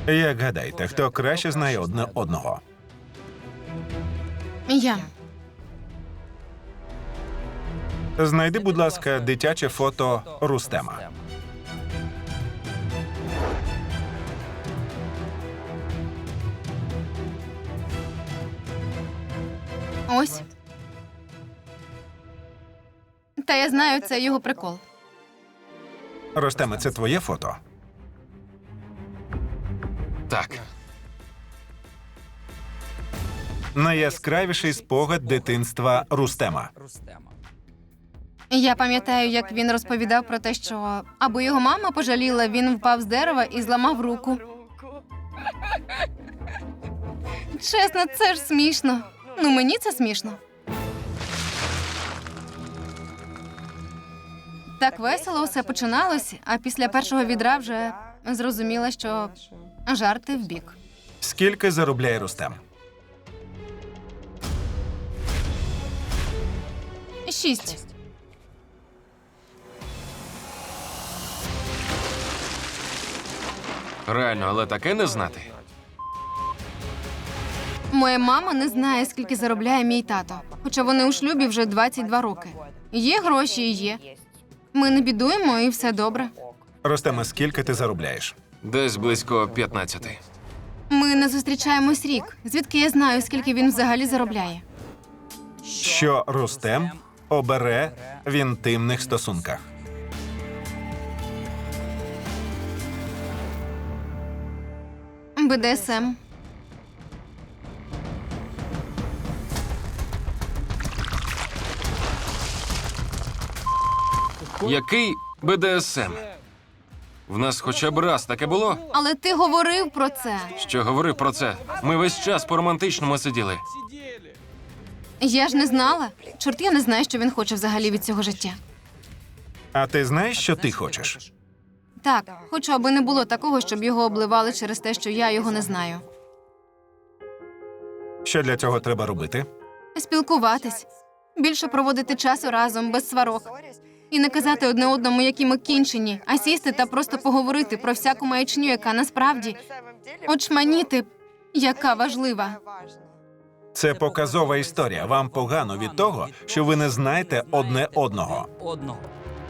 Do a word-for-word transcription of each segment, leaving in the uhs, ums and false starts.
Як гадаєте, хто краще знає одне одного? Я. Знайди, будь ласка, дитяче фото Рустема. Ось. Та я знаю, це його прикол. Рустеме, це твоє фото? Так. Найяскравіший спогад дитинства Рустема. Я пам'ятаю, як він розповідав про те, що аби його мама пожаліла, він впав з дерева і зламав руку. Чесно, це ж смішно. Ну, мені це смішно. Так весело все починалось, а після першого відра вже зрозуміла, що жарти вбік. Скільки заробляє Рустем? Шість. Реально, але таке не знати. Моя мама не знає, скільки заробляє мій тато, хоча вони у шлюбі вже двадцять два роки. Є гроші і є. Ми не бідуємо, і все добре. Рустеме, скільки ти заробляєш? Десь близько п'ятнадцяти. Ми не зустрічаємось рік. Звідки я знаю, скільки він взагалі заробляє? Що Рустем обере в інтимних стосунках? Бе де ес ем. Який Бе Де Ес Ем? В нас хоча б раз таке було? Але ти говорив про це. Що говорив про це? Ми весь час по-романтичному сиділи. Я ж не знала. Чорт, я не знаю, що він хоче взагалі від цього життя. А ти знаєш, що ти хочеш? Так, хочу, аби не було такого, щоб його обливали через те, що я його не знаю. Що для цього треба робити? Спілкуватись, більше проводити часу разом, без сварок. І не казати одне одному, які ми кінчені, а сісти та просто поговорити про всяку маячню, яка насправді очманіти, яка важлива. Це показова історія. Вам погано від того, що ви не знаєте одне одного. Одного.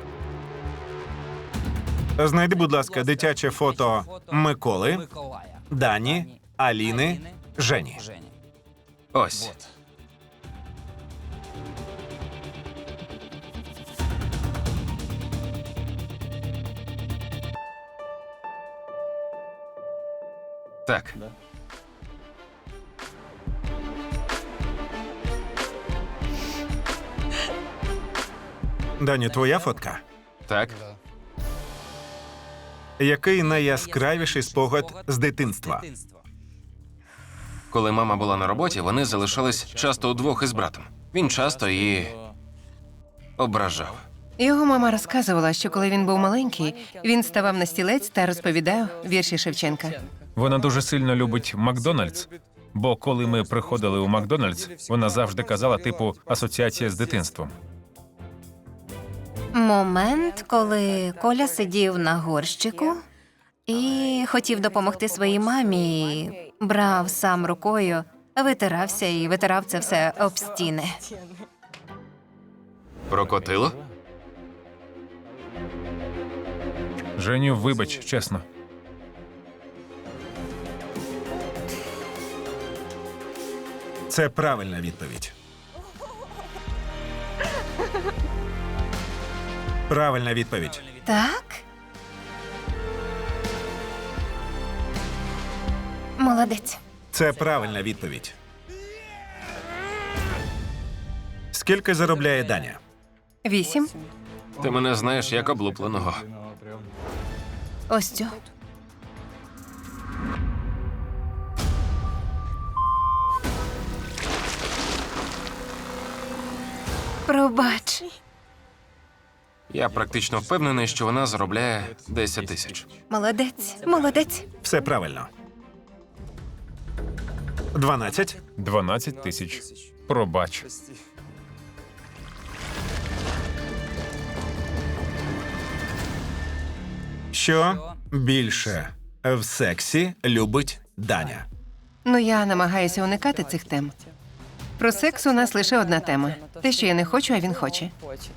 Знайди, будь ласка, дитяче фото Миколи, Миколая. Дані, Аліни, Жені. Жені. Ось. Так. Дані, твоя фотка? Так. Який найяскравіший спогад з дитинства? Коли мама була на роботі, вони залишались часто удвох із братом. Він часто її ображав. Його мама розказувала, що коли він був маленький, він ставав на стілець та розповідав вірші Шевченка. Вона дуже сильно любить Макдональдс, бо коли ми приходили у Макдональдс, вона завжди казала, типу, асоціація з дитинством. Момент, коли Коля сидів на горщику і хотів допомогти своїй мамі, і брав сам рукою, витирався і витирав це все об стіни. Прокотило? Женю, вибач, чесно. Це правильна відповідь. Правильна відповідь. Так? Молодець. Це правильна відповідь. Скільки заробляє Даня? Вісім. Ти мене знаєш як облупленого. Ось цю. Пробач. Я практично впевнений, що вона заробляє десять тисяч. Молодець, молодець. Все правильно. Дванадцять. Дванадцять тисяч. Пробач. Що більше В сексі любить Даня. Ну, я намагаюся уникати цих тем. Про секс у нас лише одна тема. Те, що я не хочу, а він хоче.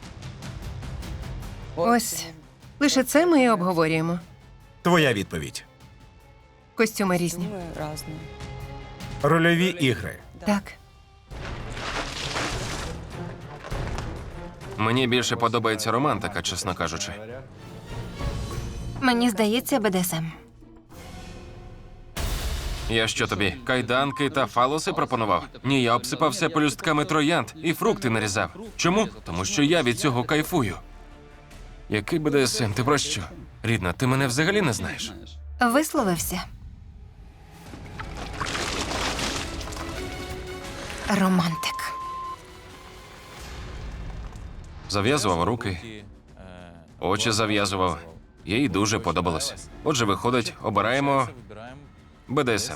Ось, лише це ми і обговорюємо. Твоя відповідь. Костюми різні. разные. Рольові ігри. Так. Мені більше подобається романтика, чесно кажучи. Мені здається, БДСМ. Я що тобі, кайданки та фалоси пропонував? Ні, я обсипався пелюстками троянд і фрукти нарізав. Чому? Тому що я від цього кайфую. Який БДСМ? Ти про що? Рідна, ти мене взагалі не знаєш. Висловився. Романтик. Зав'язував руки, очі зав'язував. Їй дуже подобалося. Отже, виходить, обираємо БДСМ.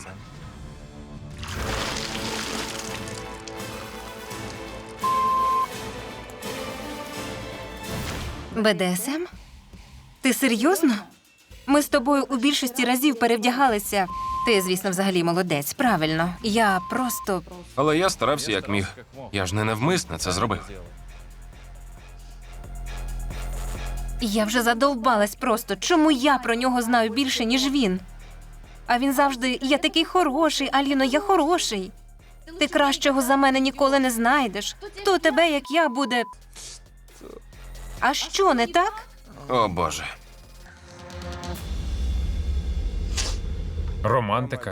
БДСМ? Ти серйозно? Ми з тобою у більшості разів перевдягалися. Ти, звісно, взагалі молодець, правильно. Я просто. Але я старався як міг. Я ж не навмисно це зробив. Я вже задовбалась просто. Чому я про нього знаю більше, ніж він? А він завжди я такий хороший, Аліно, я хороший. Ти кращого за мене ніколи не знайдеш. Хто тебе, як я, буде. А що не так? О, Боже. Романтика.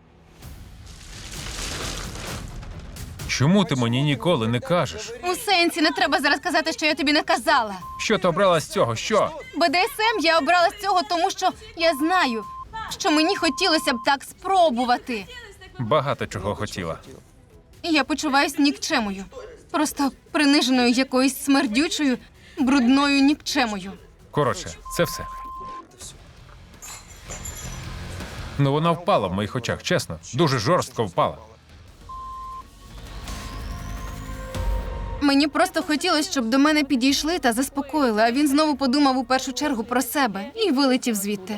Чому ти мені ніколи не кажеш? У сенсі не треба зараз казати, що я тобі не казала. Що ти обрала з цього? Що? БДСМ я обрала з цього, тому що я знаю, що мені хотілося б так спробувати. Багато чого хотіла. І я почуваюсь нікчемою. Просто приниженою якоюсь смердючою, брудною нікчемою. Коротше, це все. Ну, вона впала в моїх очах, чесно. Дуже жорстко впала. Мені просто хотілося, щоб до мене підійшли та заспокоїли, а він знову подумав у першу чергу про себе і вилетів звідти.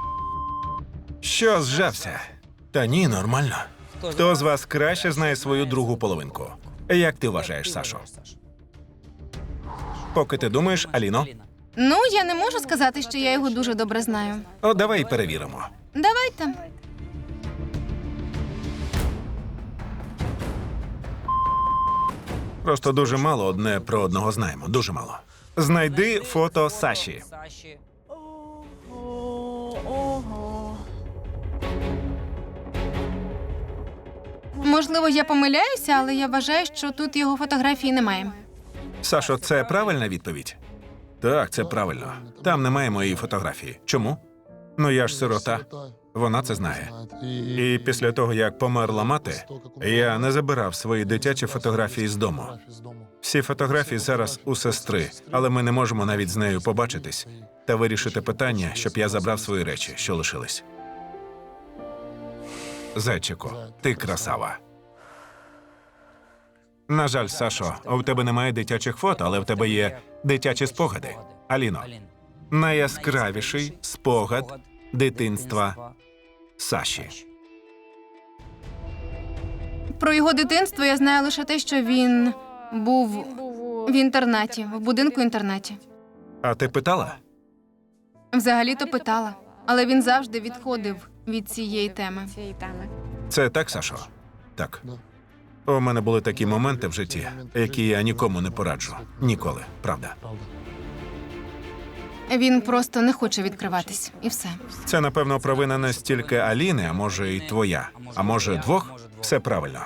Що зжався? Та ні, нормально. Хто з вас краще знає свою другу половинку? Як ти вважаєш, Сашо? Поки ти думаєш, Аліно? Ну, я не можу сказати, що я його дуже добре знаю. О, давай перевіримо. Давайте. Просто дуже мало одне про одного знаємо. Дуже мало. Знайди фото Саші. Саши. Можливо, я помиляюся, але я вважаю, що тут його фотографії немає. Сашо, це правильна відповідь? Так, це правильно. Там немає моєї фотографії. Чому? Ну я ж сирота. Вона це знає. І після того, як померла мати, я не забирав свої дитячі фотографії з дому. Всі фотографії зараз у сестри, але ми не можемо навіть з нею побачитись та вирішити питання, щоб я забрав свої речі, що лишились. Зайчику, ти красава. На жаль, Сашо, у тебе немає дитячих фото, але в тебе є дитячі спогади. Аліно, найяскравіший спогад дитинства Саші. Про його дитинство я знаю лише те, що він був в інтернаті, в будинку-інтернаті. А ти питала? Взагалі-то питала, але він завжди відходив від цієї теми. Це так, Сашо? Так. У мене були такі моменти в житті, які я нікому не пораджу. Ніколи, правда. Він просто не хоче відкриватись, і все. Це, напевно, провина не стільки Аліни, а може і твоя. А може, двох? Все правильно.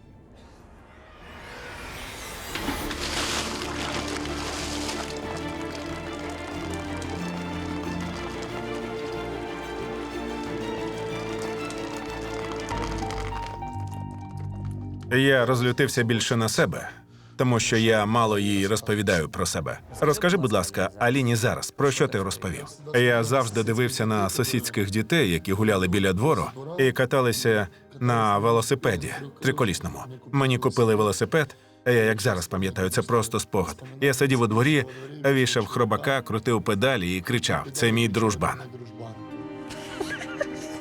Я розлютився більше на себе, тому що я мало їй розповідаю про себе. Розкажи, будь ласка, Аліні зараз, про що ти розповів? Я завжди дивився на сусідських дітей, які гуляли біля двору і каталися на велосипеді триколісному. Мені купили велосипед, а я, як зараз пам'ятаю, це просто спогад. Я сидів у дворі, вішав хробака, крутив педалі і кричав: «Це мій дружбан».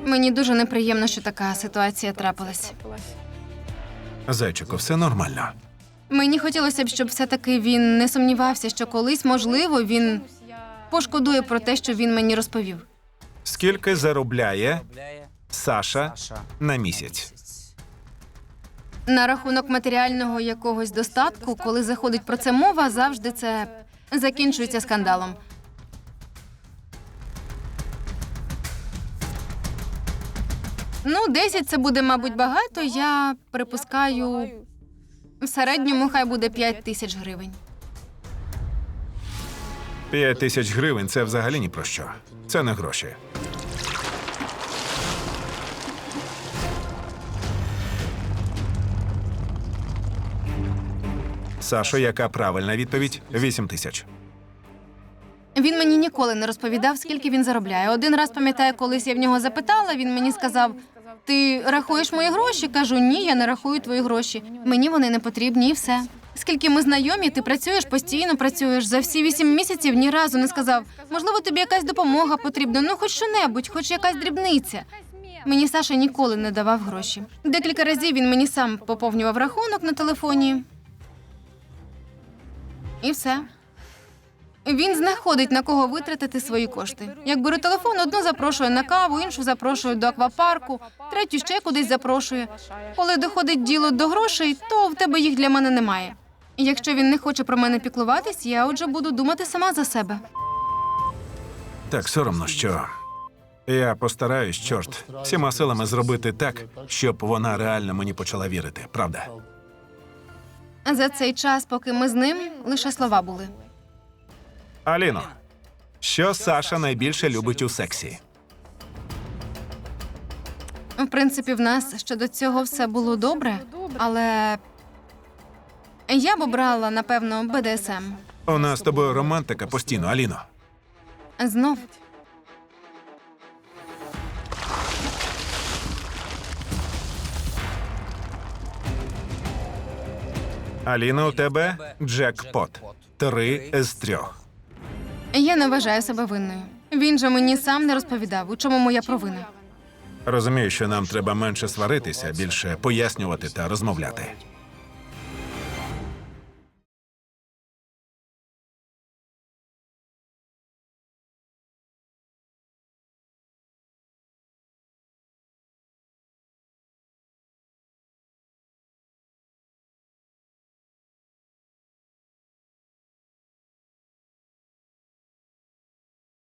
Мені дуже неприємно, що така ситуація трапилась. Зайчику, все нормально. Мені хотілося б, щоб все-таки він не сумнівався, що колись, можливо, він пошкодує про те, що він мені розповів. Скільки заробляє Саша на місяць? На рахунок матеріального якогось достатку, коли заходить про це мова, завжди це закінчується скандалом. Ну, десять це буде, мабуть, багато. Я припускаю, в середньому хай буде п'ять тисяч гривень. П'ять тисяч гривень – це взагалі ні про що. Це не гроші. Сашо, яка правильна відповідь? Вісім тисяч. Він мені ніколи не розповідав, скільки він заробляє. Один раз, пам'ятаю, колись я в нього запитала, він мені сказав: ти рахуєш мої гроші? Кажу, ні, я не рахую твої гроші. Мені вони не потрібні і все. Скільки ми знайомі, ти працюєш, постійно працюєш. За всі вісім місяців ні разу не сказав, можливо, тобі якась допомога потрібна, ну хоч що-небудь, хоч якась дрібниця. Мені Саша ніколи не давав гроші. Декілька разів він мені сам поповнював рахунок на телефоні. І все. Він знаходить, на кого витратити свої кошти. Як бере телефон, одну запрошує на каву, іншу запрошує до аквапарку, третю ще кудись запрошує. Коли доходить діло до грошей, то в тебе їх для мене немає. І якщо він не хоче про мене піклуватись, я отже буду думати сама за себе. Так соромно, що я постараюсь, чорт, всіма силами зробити так, щоб вона реально мені почала вірити, правда? За цей час, поки ми з ним, лише слова були. Аліно, що Саша найбільше любить у сексі? В принципі, в нас щодо цього все було добре, але я б обрала, напевно, Бе Де Ес Ем. У нас з тобою романтика постійно, Аліно. Знов. Аліна, у тебе джекпот. Три з трьох. Я не вважаю себе винною. Він же мені сам не розповідав, у чому моя провина. Розумію, що нам треба менше сваритися, більше пояснювати та розмовляти.